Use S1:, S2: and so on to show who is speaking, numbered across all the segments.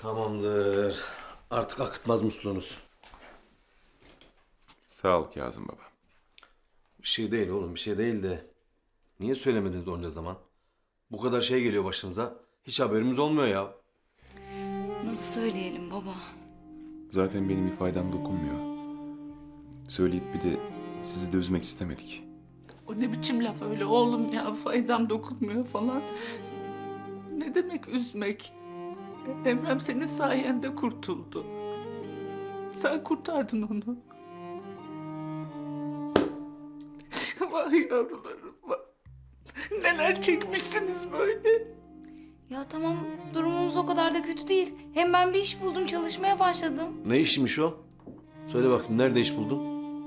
S1: Tamamdır. Artık akıtmaz musluğunuz.
S2: Sağ ol Kazım baba.
S1: Bir şey değil oğlum, bir şey değil de. Niye söylemediniz onca zaman? Bu kadar şey geliyor başınıza. Hiç haberimiz olmuyor ya.
S3: Nasıl söyleyelim baba?
S2: Zaten benim ifadem dokunmuyor. Söyleyip bir de sizi de üzmek istemedik.
S4: O ne biçim laf öyle oğlum ya, faydam dokunmuyor falan. Ne demek üzmek? Emrem senin sayende kurtuldu. Sen kurtardın onu. Vay yavrularım vay. Neler çekmişsiniz böyle.
S3: Ya tamam, durumumuz o kadar da kötü değil. Hem ben bir iş buldum, çalışmaya başladım.
S1: Ne işmiş o? Söyle bakayım, nerede iş buldun?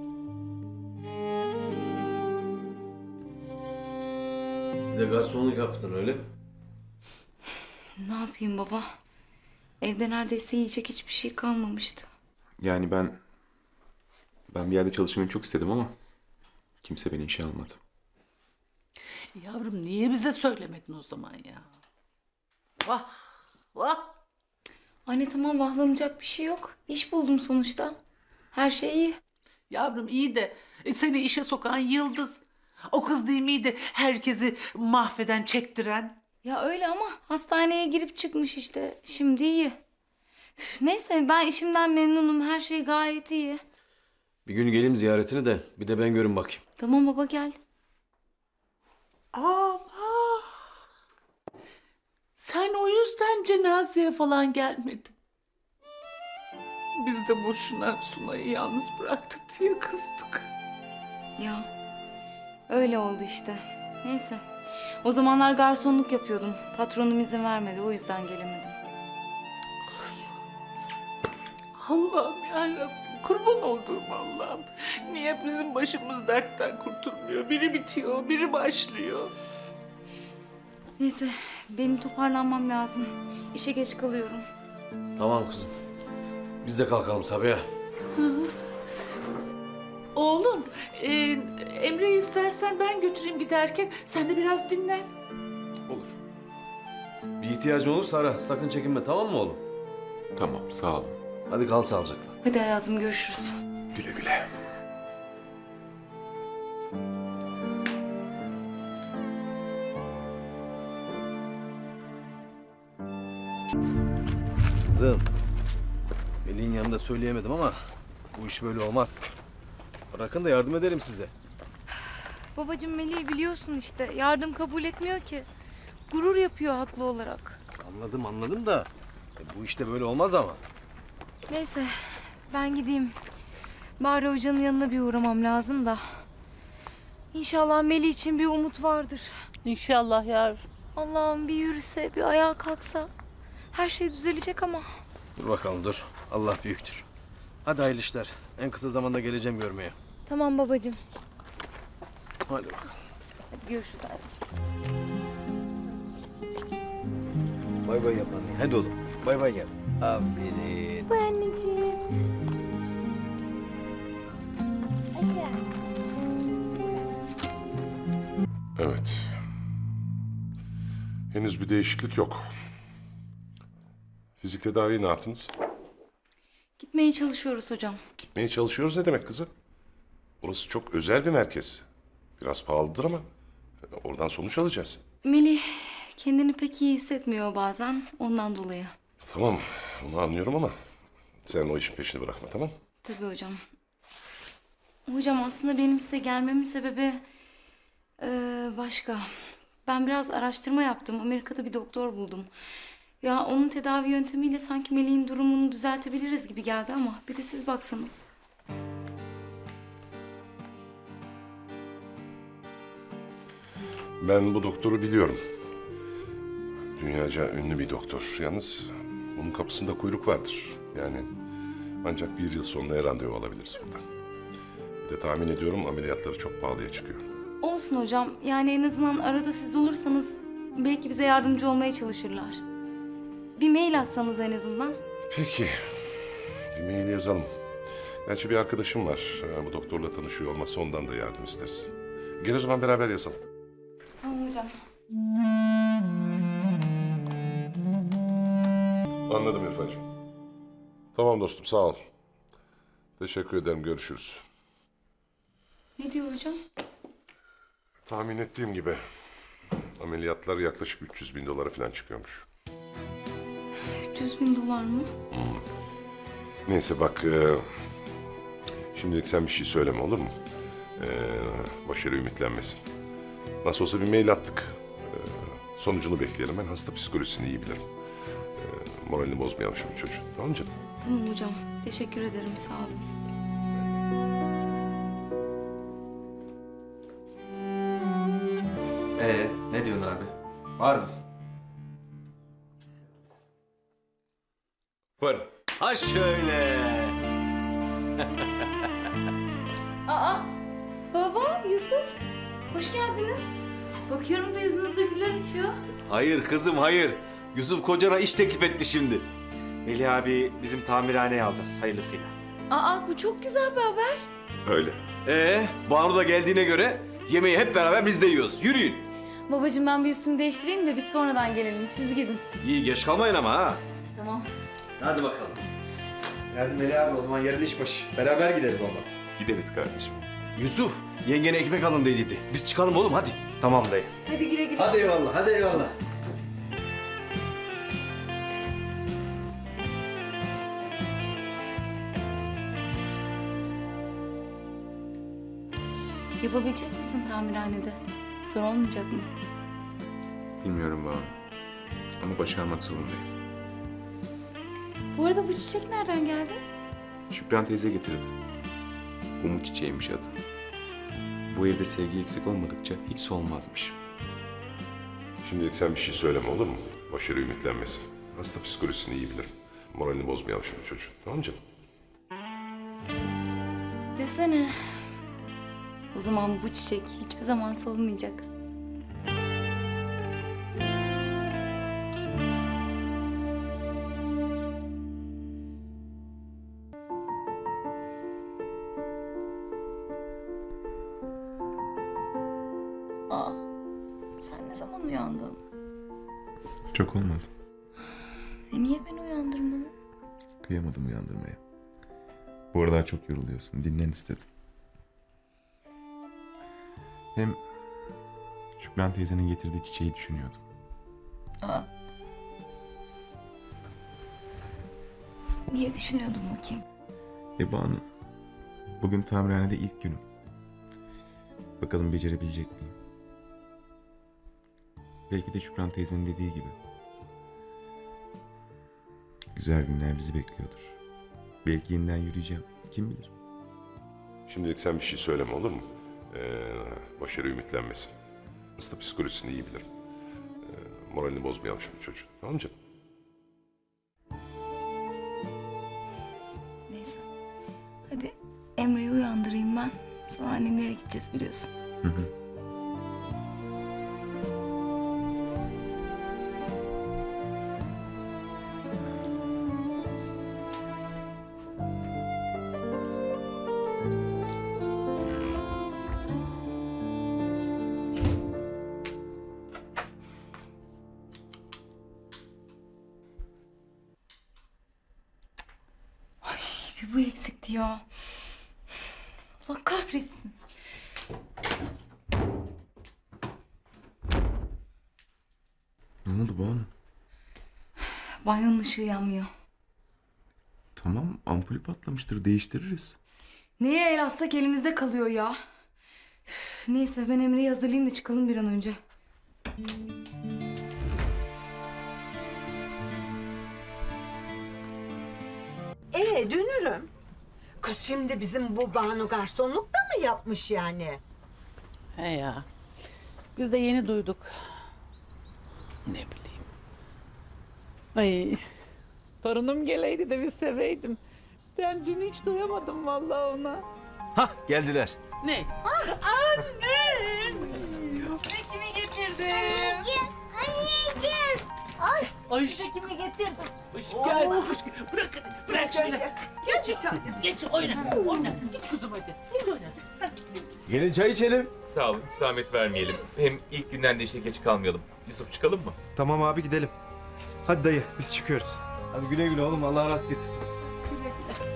S1: Bir de garsonluk yaptın öyle mi?
S3: Ne yapayım baba? Evde neredeyse yiyecek hiçbir şey kalmamıştı.
S2: Yani ben bir yerde çalışmayı çok istedim ama kimse beni işe almadı.
S4: Yavrum niye bize söylemedin o zaman ya? Vah vah.
S3: Anne tamam, vahlanacak bir şey yok. İş buldum sonuçta. Her şey iyi.
S4: Yavrum iyi de seni işe sokan Yıldız. O kız değil miydi herkesi mahveden, çektiren?
S3: Ya öyle ama hastaneye girip çıkmış işte. Şimdi iyi. Üf, neyse, ben işimden memnunum. Her şey gayet iyi.
S1: Bir gün geleyim ziyaretini de bir de ben görün bakayım.
S3: Tamam baba, gel.
S4: Ama sen o yüzden cenazeye falan gelmedin. Biz de boşuna Sunay'ı yalnız bıraktık diye kızdık.
S3: Ya öyle oldu işte. Neyse. O zamanlar garsonluk yapıyordum. Patronum izin vermedi, o yüzden gelemedim.
S4: Allah'ım yarabbim, kurban olduğum Allah'ım. Niye bizim başımız dertten kurtulmuyor? Biri bitiyor, biri başlıyor.
S3: Neyse, benim toparlanmam lazım. İşe geç kalıyorum.
S1: Tamam kızım. Biz de kalkalım Sabiha.
S4: Oğlum, Emre'yi istersen ben götüreyim giderken. Sen de biraz dinlen.
S1: Olur. Bir ihtiyacın olursa ara. Sakın çekinme, tamam mı oğlum?
S2: Tamam, sağ olun.
S1: Hadi kal sağlıcakla.
S3: Hadi hayatım, görüşürüz.
S2: Güle güle.
S1: Kızım. Melih'in yanında söyleyemedim ama bu iş böyle olmaz. Bırakın da yardım edelim size.
S3: Babacığım, Melih'i biliyorsun işte. Yardım kabul etmiyor ki. Gurur yapıyor haklı olarak.
S1: Anladım da bu işte böyle olmaz ama.
S3: Neyse, ben gideyim. Bari Hoca'nın yanına bir uğramam lazım da. İnşallah Melih için bir umut vardır.
S4: İnşallah yavrum.
S3: Allah'ım bir yürüse, bir ayağa kalksa. Her şey düzelecek ama.
S1: Dur bakalım dur. Allah büyüktür. Hadi hayırlı işler. En kısa zamanda geleceğim görmeye.
S3: Tamam babacığım.
S1: Hadi bakalım.
S3: Hadi görüşürüz anneciğim.
S1: Bay bay yap anne. Hadi oğlum. Bay bay gel. Aferin.
S3: Bay anneciğim.
S5: Evet. Henüz bir değişiklik yok. Fizik tedaviyi ne yaptınız?
S3: Gitmeye çalışıyoruz hocam.
S5: Gitmeye çalışıyoruz ne demek kızım? Burası çok özel bir merkez. Biraz pahalıdır ama oradan sonuç alacağız.
S3: Melih kendini pek iyi hissetmiyor bazen, ondan dolayı.
S5: Tamam, onu anlıyorum ama sen o işin peşini bırakma, tamam?
S3: Tabii hocam. Hocam aslında benim size gelmemin sebebi başka. Ben biraz araştırma yaptım. Amerika'da bir doktor buldum. Ya onun tedavi yöntemiyle sanki Melih'in durumunu düzeltebiliriz gibi geldi ama bir de siz baksanız.
S5: Ben bu doktoru biliyorum. Dünyaca ünlü bir doktor. Yalnız bunun kapısında kuyruk vardır. Yani ancak 1 yıl sonra randevu alabiliriz buradan. Bir de tahmin ediyorum ameliyatları çok pahalıya çıkıyor.
S3: Olsun hocam. Yani en azından arada siz olursanız belki bize yardımcı olmaya çalışırlar. Bir mail atsanız en azından.
S5: Peki. Bir mail yazalım. Gerçi bir arkadaşım var. Bu doktorla tanışıyor olmasa ondan da yardım isteriz. Gel o zaman beraber yazalım.
S3: Tamam hocam.
S5: Anladım İrfancığım. Tamam dostum, sağ ol. Teşekkür ederim, görüşürüz.
S3: Ne diyor hocam?
S5: Tahmin ettiğim gibi ameliyatlar yaklaşık 300 bin dolara falan çıkıyormuş.
S3: 300 bin dolar mı?
S5: Neyse bak, şimdilik sen bir şey söyleme, olur mu? Başarı ümitlenmesin. Nasıl olsa bir mail attık. Sonucunu bekleyelim. Ben hasta psikolojisini iyi bilirim. Moralini bozmayalım şimdi çocuğun. Tamam mı canım?
S3: Tamam hocam. Teşekkür ederim. Sağ olun.
S6: Ne diyorsun abi? Var mısın?
S1: Var. Ha şöyle.
S3: Aa! Baba, Yusuf. Hoş geldiniz. Bakıyorum da yüzünüzde güller açıyor.
S1: Hayır kızım hayır. Yusuf kocana iş teklif etti şimdi.
S6: Melih abi bizim tamirhaneye alacağız hayırlısıyla.
S3: Aa, bu çok güzel bir haber.
S5: Öyle.
S1: Banu da geldiğine göre yemeği hep beraber biz de yiyoruz. Yürüyün.
S3: Babacığım ben bir üstümü değiştireyim de biz sonradan gelelim. Siz gidin.
S1: İyi geç kalmayın ama ha.
S3: Tamam.
S1: Hadi bakalım.
S6: Hadi Melih abi o zaman yarın iş başı. Beraber gideriz olmadı.
S2: Gideriz kardeşim.
S1: Yusuf yengene ekmek alın dedi. Biz çıkalım oğlum hadi.
S6: Tamam dayı.
S3: Hadi güle güle.
S1: Hadi eyvallah hadi eyvallah.
S3: Yapabilecek misin tamirhanede? Zor olmayacak mı?
S2: Bilmiyorum Banu. Ama başarmak zorundayım.
S3: Bu arada bu çiçek nereden geldi?
S2: Şükran teyze getirdi. Umut çiçeğiymiş adı. Bu evde sevgi eksik olmadıkça hiç solmazmış.
S5: Şimdilik sen bir şey söyleme, olur mu? Başarı ümitlenmesin. Hasta psikolojisini iyi bilirim. Moralini bozmayalım şimdi çocuğun. Tamam mı canım?
S3: Desene. O zaman bu çiçek hiçbir zaman solmayacak. Aa, sen ne zaman uyandın?
S2: Çok olmadı.
S3: Niye beni uyandırmadın?
S2: Kıyamadım uyandırmaya. Bu aralar çok yoruluyorsun. Dinlen istedim. Hem Şükran teyzenin getirdiği çiçeği düşünüyordum.
S3: Aa. Niye düşünüyordun bakayım?
S2: Banu, bugün tamirhanede ilk günüm. Bakalım becerebilecek miyim? Belki de Şükran teyzenin dediği gibi. Güzel günler bizi bekliyordur. Belki yeniden yürüyeceğim. Kim bilir?
S5: Şimdilik sen bir şey söyleme, olur mu? Başarı ümitlenmesin. Hasta psikolojisini iyi bilirim. Moralini bozmayalım şimdi çocuğun. Tamam mı canım?
S3: Neyse. Hadi Emre'yi uyandırayım ben. Sonra annemlere gideceğiz biliyorsun.
S2: Hı hı.
S3: Bir bu eksikti ya. Allah kahretsin.
S2: Ne oldu Banu?
S3: Banyonun ışığı yanmıyor.
S2: Tamam, ampulü patlamıştır. Değiştiririz.
S3: Neye el atsak elimizde kalıyor ya. Üf, neyse ben Emre'yi hazırlayayım da çıkalım bir an önce.
S7: Dünürüm. Kız şimdi bizim bu Banu garsonluk da mı yapmış yani?
S4: He ya. Biz de yeni duyduk. Ne bileyim. Ay. Torunum geleydi de bir seveydim. Ben dün hiç doyamadım vallahi ona.
S1: Hah geldiler.
S4: Ne?
S3: Kimi getirdim?
S7: Anneciğim.
S4: Ay.
S3: Kimi getirdim?
S4: Gel. Bırak. Bırak şunu.
S7: Geç bir tane.
S4: Geç oyna. Oyna. Git kuzum hadi. Git oyna.
S1: Gelin çay içelim.
S8: Sağ olun, zahmet vermeyelim. Hem ilk günden de işe geç kalmayalım. Yusuf çıkalım mı?
S6: Tamam abi gidelim. Hadi dayı biz çıkıyoruz. Hadi güle güle oğlum. Allah rast getirsin.
S7: Güle güle.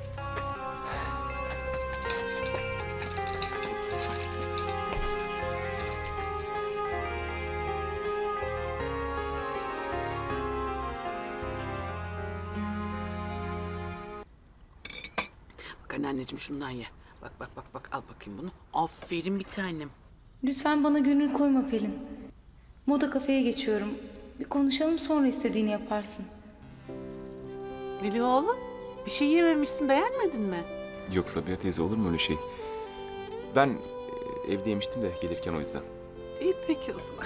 S4: Bak anneanneciğim şundan ye. Bak bak bak bak al bakayım bunu. Aferin bir tanem.
S3: Lütfen bana gönül koyma Pelin. Moda kafeye geçiyorum. Bir konuşalım, sonra istediğini yaparsın.
S4: Melih oğlum bir şey yememişsin, beğenmedin mi?
S2: Yok Sabiha teyze, olur mu öyle şey? Ben evde yemiştim de gelirken, o yüzden.
S4: İyi peki o zaman.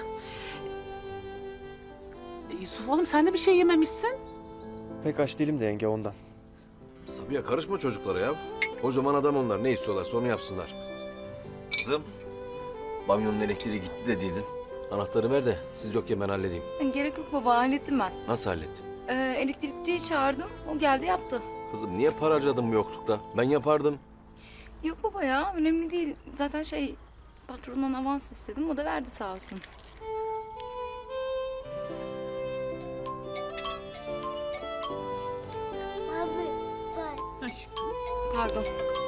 S4: Yusuf oğlum sen de bir şey yememişsin.
S6: Pek aç değilim de yenge ondan.
S1: Sabiha karışma çocuklara ya. Kocaman adam onlar. Ne istiyorlar sonra yapsınlar. Kızım. Banyonun elektriği gitti dediydin. Anahtarı ver de siz yokken ben halledeyim.
S3: Gerek yok baba, hallettim ben.
S1: Nasıl hallettin?
S3: Elektrikçiyi çağırdım, o geldi yaptı.
S1: Kızım niye para harcadın bu yoklukta? Ben yapardım.
S3: Yok baba ya, önemli değil. Zaten patrondan avans istedim, o da verdi sağ olsun.
S4: Aşkım.
S3: Pardon.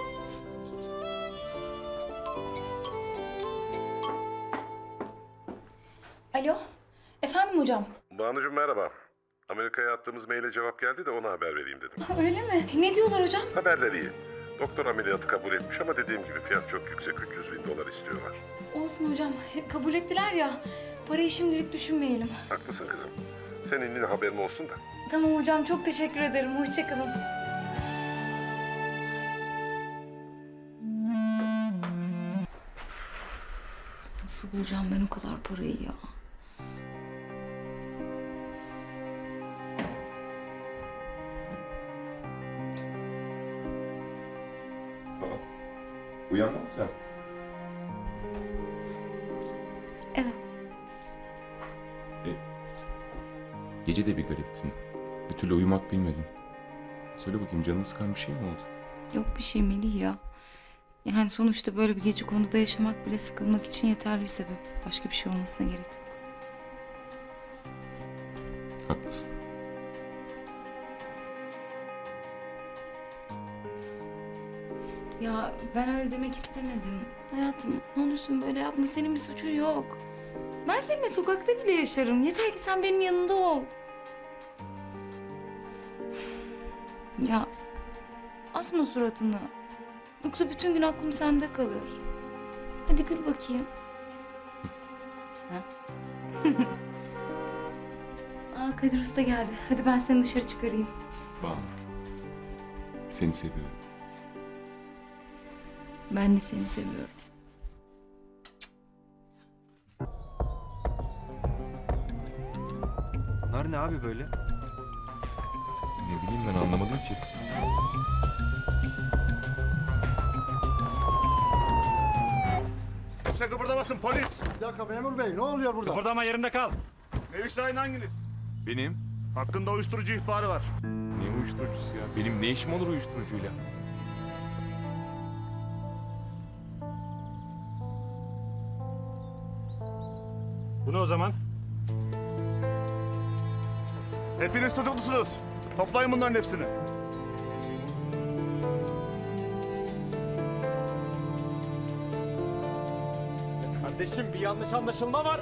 S3: Alo, efendim hocam.
S5: Banucuğum merhaba. Amerika'ya attığımız maile cevap geldi de ona haber vereyim dedim.
S3: Öyle mi? Ne diyorlar hocam?
S5: Haberler iyi. Doktor ameliyatı kabul etmiş ama dediğim gibi fiyat çok yüksek. 300 bin dolar istiyorlar.
S3: Olsun hocam, kabul ettiler ya. Parayı şimdilik düşünmeyelim.
S5: Haklısın kızım. Senin yine haberin olsun da.
S3: Tamam hocam, çok teşekkür ederim. Hoşça kalın. Nasıl bulacağım ben o kadar parayı ya?
S5: Uyandın mı sen?
S3: Evet.
S2: Gece de bir gariptin. Bir türlü uyumak bilmedin. Söyle bakayım, canını sıkan bir şey mi oldu?
S3: Yok bir şey Melih ya. Yani sonuçta böyle bir gece konuda yaşamak bile sıkılmak için yeterli bir sebep. Başka bir şey olmasına gerek yok.
S2: Haklısın.
S3: Ya ben öyle demek istemedim. Hayatım ne olursun böyle yapma. Senin bir suçun yok. Ben seninle sokakta bile yaşarım. Yeter ki sen benim yanında ol. Ya asma suratını. Yoksa bütün gün aklım sende kalır. Hadi gül bakayım. Ha? Aa, Kadir Usta geldi. Hadi ben seni dışarı çıkarayım.
S2: Banu. Seni seviyorum.
S3: Ben de seni seviyorum.
S6: Bunlar ne abi böyle?
S2: Ne bileyim, ben anlamadım ki.
S9: Kimse kıpırdamasın polis.
S10: Bir dakika memur bey ne oluyor burada?
S9: Kıpırdama yerinde kal. Meriç Şahin hanginiz?
S2: Benim?
S9: Hakkında uyuşturucu ihbarı var.
S2: Ne uyuşturucusu ya? Benim ne işim olur uyuşturucuyla?
S9: Bu ne o zaman? Hepiniz tutuklusunuz. Toplayın bunların hepsini. Kardeşim bir yanlış anlaşılma var.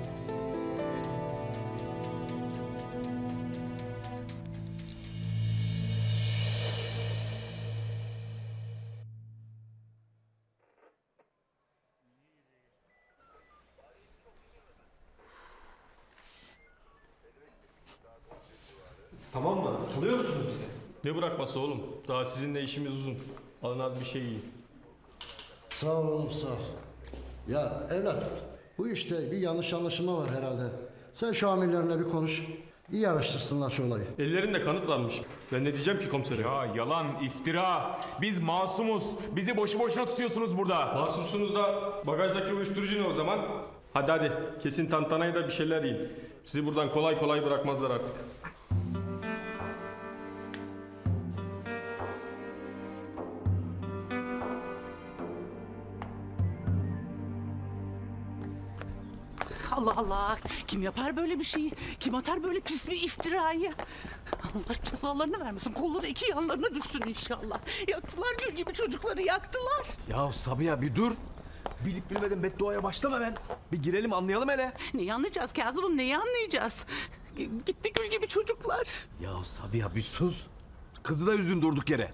S10: Tamam mı? Salıyor musunuz bizi?
S11: Ne bırakması oğlum? Daha sizinle işimiz uzun. Alın az bir şey yiyin.
S10: Sağ ol oğlum sağ ol. Ya evlat bu işte bir yanlış anlaşılma var herhalde. Sen şu amirlerle bir konuş. İyi araştırsınlar şu olayı.
S11: Ellerinde kanıt varmış. Ben ne diyeceğim ki komiserim?
S8: Ya yalan, iftira. Biz masumuz. Bizi boşu boşuna tutuyorsunuz burada.
S11: Masumsunuz da bagajdaki uyuşturucu ne o zaman? Hadi kesin tantanayı da bir şeyler yiyin. Sizi buradan kolay kolay bırakmazlar artık.
S4: Allah Allah. Kim yapar böyle bir şeyi? Kim atar böyle pis bir iftirayı? Allah cezalarını vermesin. Kolları iki yanlarına düşsün inşallah. Yaktılar gül gibi çocukları yaktılar.
S9: Ya Sabiha bir dur. Bilip bilmeden bedduaya başlama ben. Bir girelim anlayalım hele.
S4: Neyi anlayacağız Kazım'ım, neyi anlayacağız? Gitti gül gibi çocuklar.
S9: Ya Sabiha bir sus. Kızı da üzdün durduk yere.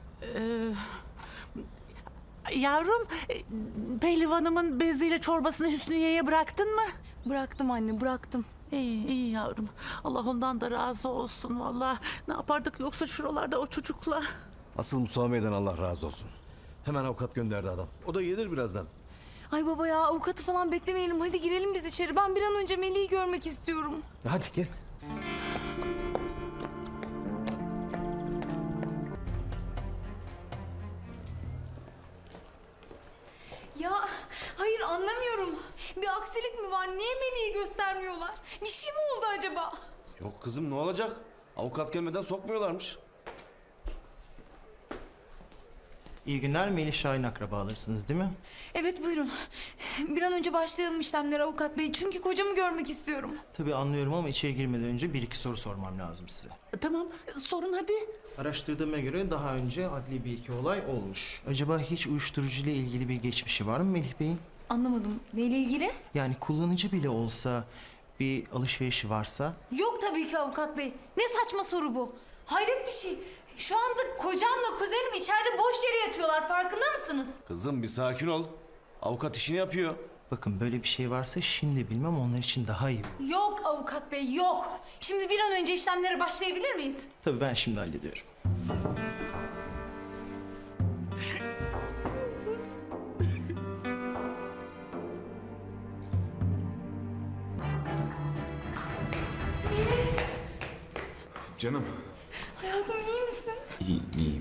S4: Yavrum, pehlivanımın beziyle çorbasını Hüsniye'ye bıraktın mı?
S3: Bıraktım anne, bıraktım.
S4: İyi, iyi yavrum. Allah ondan da razı olsun vallahi. Ne yapardık yoksa şuralarda o çocukla?
S9: Asıl Musa Bey'den Allah razı olsun. Hemen avukat gönderdi adam. O da gelir birazdan.
S3: Ay baba ya, avukatı falan beklemeyelim. Hadi girelim biz içeri. Ben bir an önce Melih'i görmek istiyorum.
S9: Hadi gel.
S3: Ya hayır, anlamıyorum. Bir aksilik mi var? Niye Melih'i göstermiyorlar? Bir şey mi oldu acaba?
S1: Yok kızım ne olacak? Avukat gelmeden sokmuyorlarmış.
S6: İyi günler, Melih Şahin akrabalarısınız değil mi?
S3: Evet, buyurun. Bir an önce başlayalım işlemlere avukat bey. Çünkü kocamı görmek istiyorum.
S6: Tabii anlıyorum ama içeri girmeden önce bir iki soru sormam lazım size.
S4: Tamam, sorun hadi.
S6: Araştırdığıma göre daha önce adli bir iki olay olmuş. Acaba hiç uyuşturucu ile ilgili bir geçmişi var mı Melih Bey'in?
S3: Anlamadım. Neyle ilgili?
S6: Yani kullanıcı bile olsa bir alışverişi varsa?
S3: Yok tabii ki avukat bey. Ne saçma soru bu? Hayret bir şey. Şu anda kocamla kuzenim içeride boş yere yatıyorlar. Farkında mısınız?
S1: Kızım bir sakin ol. Avukat işini yapıyor.
S6: Bakın böyle bir şey varsa şimdi bilmem onlar için daha iyi.
S3: Yok avukat bey, yok. Şimdi bir an önce işlemlere başlayabilir miyiz?
S6: Tabii ben şimdi hallediyorum.
S2: Canım.
S3: Hayatım, iyi misin?
S2: İyi, iyiyim.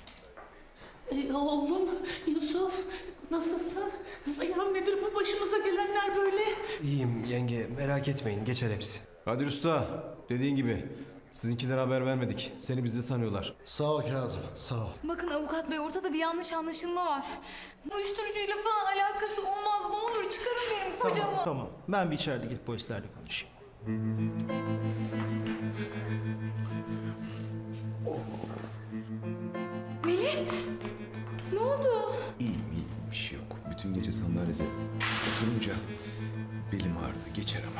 S4: Oğlum Yusuf, nasılsın? Ya nedir bu başımıza gelenler böyle?
S9: İyiyim yenge, merak etmeyin, geçer hepsi. Kadir Usta, dediğin gibi sizinkilere haber vermedik. Seni bizde sanıyorlar.
S10: Sağ ol Kazım, sağ ol.
S3: Bakın avukat bey, ortada bir yanlış anlaşılma var. Uyuşturucuyla falan alakası olmaz. Ne olur çıkarın benim kocamı.
S6: Tamam ben bir içeride gidip polislerle konuşayım.
S3: Melih, ne oldu?
S2: İyiyim, bir şey yok. Bütün gece sandalyede oturunca belim ağrıdı. Geçer ama.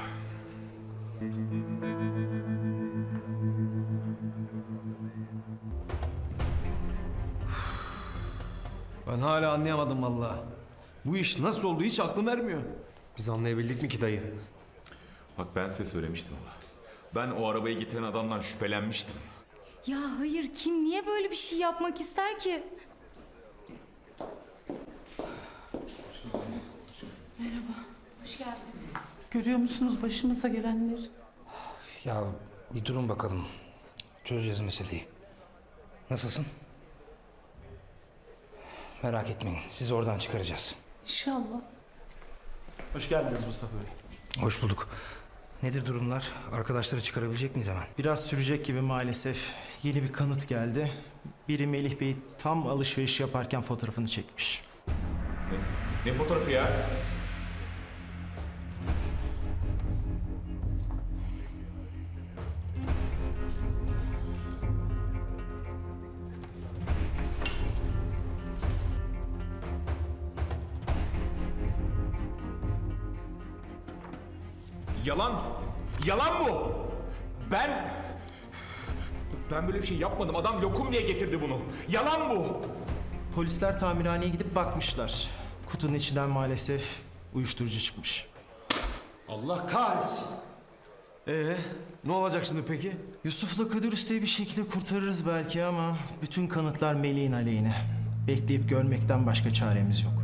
S9: Ben hala anlayamadım vallahi. Bu iş nasıl oldu hiç aklım ermiyor. Biz anlayabildik mi ki dayı?
S8: Bak ben size söylemiştim ama. Ben o arabayı getiren adamdan şüphelenmiştim.
S3: Ya hayır, kim niye böyle bir şey yapmak ister ki? Merhaba, hoş geldiniz.
S4: Görüyor musunuz başımıza gelenleri?
S12: Ya bir durun bakalım. Çözeceğiz meseleyi. Nasılsın? Merak etmeyin. Sizi oradan çıkaracağız.
S4: İnşallah.
S6: Hoş geldiniz Mustafa Bey.
S12: Hoş bulduk. Nedir durumlar? Arkadaşları çıkarabilecek miyiz hemen?
S6: Biraz sürecek gibi maalesef. Yeni bir kanıt geldi. Biri Melih Bey tam alışveriş yaparken fotoğrafını çekmiş.
S8: Ne fotoğrafı ya? Yalan! Yalan bu! Ben böyle bir şey yapmadım. Adam lokum diye getirdi bunu. Yalan bu!
S6: Polisler tamirhaneye gidip bakmışlar. Kutunun içinden maalesef uyuşturucu çıkmış.
S10: Allah kahretsin.
S9: Ne olacak şimdi peki?
S6: Yusuf'la Kadir Usta'yı bir şekilde kurtarırız belki ama bütün kanıtlar Melih'in aleyhine. Bekleyip görmekten başka çaremiz yok.